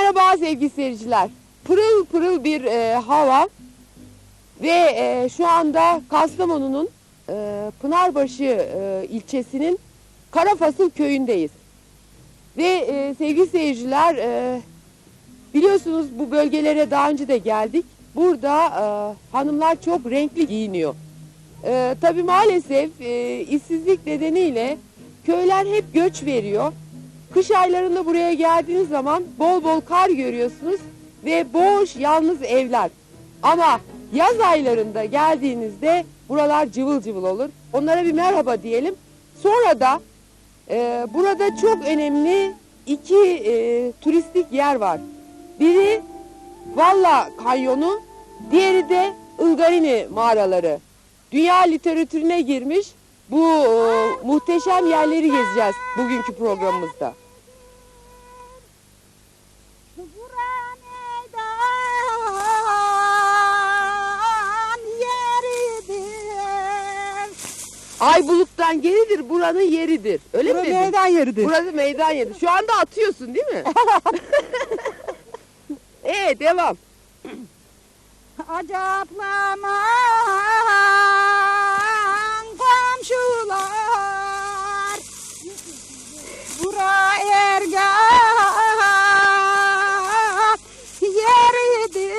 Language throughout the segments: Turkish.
Merhaba sevgili seyirciler. Pırıl pırıl bir hava ve şu anda Kastamonu'nun Pınarbaşı ilçesinin Karafasıl köyündeyiz. Ve sevgili seyirciler, biliyorsunuz bu bölgelere daha önce de geldik. Burada hanımlar çok renkli giyiniyor. Tabii maalesef işsizlik nedeniyle köyler hep göç veriyor. Kış aylarında buraya geldiğiniz zaman bol bol kar görüyorsunuz ve boş yalnız evler. Ama yaz aylarında geldiğinizde buralar cıvıl cıvıl olur. Onlara bir merhaba diyelim. Sonra da burada çok önemli iki turistik yer var. Biri Valla Kanyonu, diğeri de Ilgarini mağaraları. Dünya literatürüne girmiş bu muhteşem yerleri gezeceğiz bugünkü programımızda. Ay buluttan geridir, buranın yeridir. Öyle mi dedin? Meydan yeridir. Burası meydan yeridir. Şu anda atıyorsun değil mi? Devam. Acaplaman komşular, bura ergah yeridir.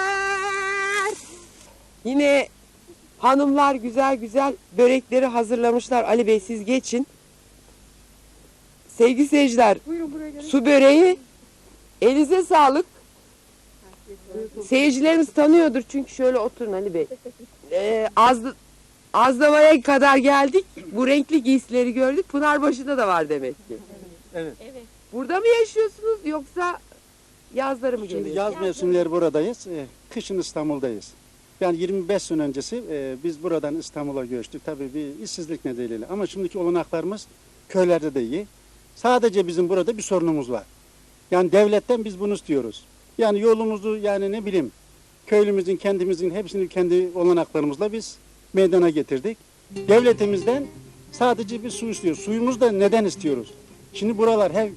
Yine hanımlar güzel güzel börekleri hazırlamışlar. Ali Bey siz geçin. Sevgili seyirciler, Buyurun buraya gelin. su böreği, elinize sağlık. Seyircilerimiz tanıyordur çünkü şöyle oturun Ali Bey. Azdava'ya kadar geldik. Bu renkli giysileri gördük. Pınarbaşı'da da var demek ki. Evet. Burada mı yaşıyorsunuz yoksa yazları mı Şimdi geliyorsunuz? yaz mevsimleri buradayız. Kışın İstanbul'dayız. Yani 25 sene öncesi biz buradan İstanbul'a göçtük. Tabii bir işsizlik nedeniyle. Ama şimdiki olanaklarımız köylerde de iyi. Sadece bizim burada bir sorunumuz var. Yani devletten biz bunu istiyoruz. Yani yolumuzu yani ne bileyim köylümüzün kendimizin hepsini kendi olanaklarımızla biz meydana getirdik. Devletimizden sadece bir su istiyoruz. Suyumuzu da neden istiyoruz? Şimdi buralar hep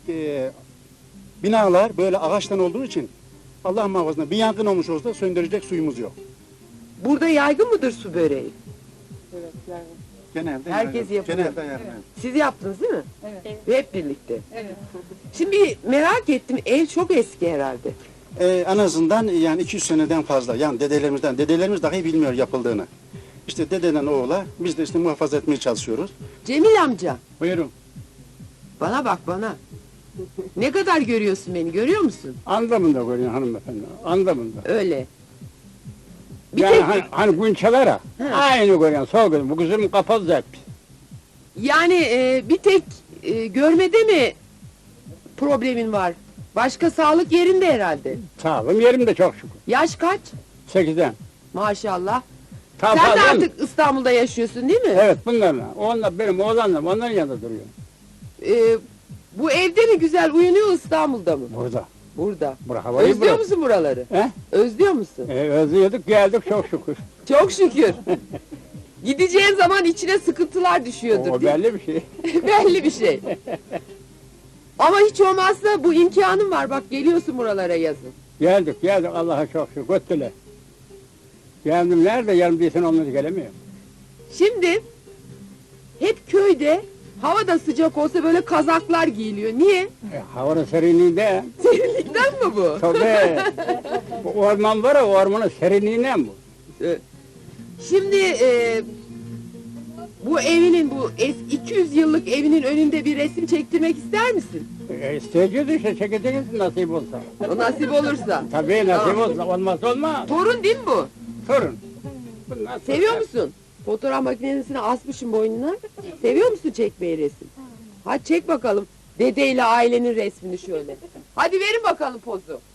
binalar böyle ağaçtan olduğu için Allah muhafaza bir yangın olmuş olsa söndürecek suyumuz yok. Burada yaygın mıdır su böreği? Evet yani. Genelde Herkes yapıyor. Genelde yapıyor. Siz yaptınız değil mi? Evet. Ve hep birlikte. Evet. Şimdi merak ettim, ev çok eski herhalde. En azından yani 200 seneden fazla. Yani dedelerimiz dahi bilmiyor yapıldığını. İşte dededen oğula biz de işte muhafaza etmeye çalışıyoruz. Cemil amca, Buyurun. bana bak bana. Ne kadar görüyorsun beni, görüyor musun? Anlamında görüyorsun hanımefendi, anlamında. Öyle. Bir Yani tek, hani günçelere He. aynı görüyorsun, sol gözüm. Bu kızım kapalı hep. yani bir tek görmede mi problemin var? Başka sağlık yerinde herhalde. Sağlığım yerimde çok şükür. Yaş kaç? 8'den. Maşallah. Tam Sen de fazla mı? artık İstanbul'da yaşıyorsun değil mi? Evet bunlarla. Onlar benim oğlanlarım, onların yanında duruyor. Bu evde mi güzel uyunuyor, İstanbul'da mı? Burada. Burada. Bura havayı Özlüyor bırak. musun buraları? He? Özlüyor musun? Özlüyorduk, geldik çok şükür. Çok şükür. Gideceğin zaman içine sıkıntılar düşüyordur. O değil mi? belli bir şey. Belli bir şey. Ama hiç olmazsa bu imkanın var. Bak geliyorsun buralara yazın. Geldik, Allah'a çok şükür. Götüler. Geldim nerede? Yarım değilsen onları gelemiyor. Şimdi hep köyde hava da sıcak olsa böyle kazaklar giyiliyor. Niye? Havanın serinliğinde. Serinlikten mi bu? Tabii. Bu orman var ya, ormanın serinliğinden bu. Şimdi bu evinin, bu 200 yıllık evinin önünde bir resim çektirmek ister misin? İsteyeceğiz işte, çekeceğiz nasip olsa. O nasip olursa. Tabii nasip Tamam. olsa, olmaz olmaz. Torun değil mi bu? Sorun. Bunlar Seviyor sorun. musun? Fotoğraf makinesini asmışım boynuna. Seviyor musun çekmeyi resim? Hadi çek bakalım. Dedeyle ailenin resmini şöyle. Hadi verin bakalım pozu.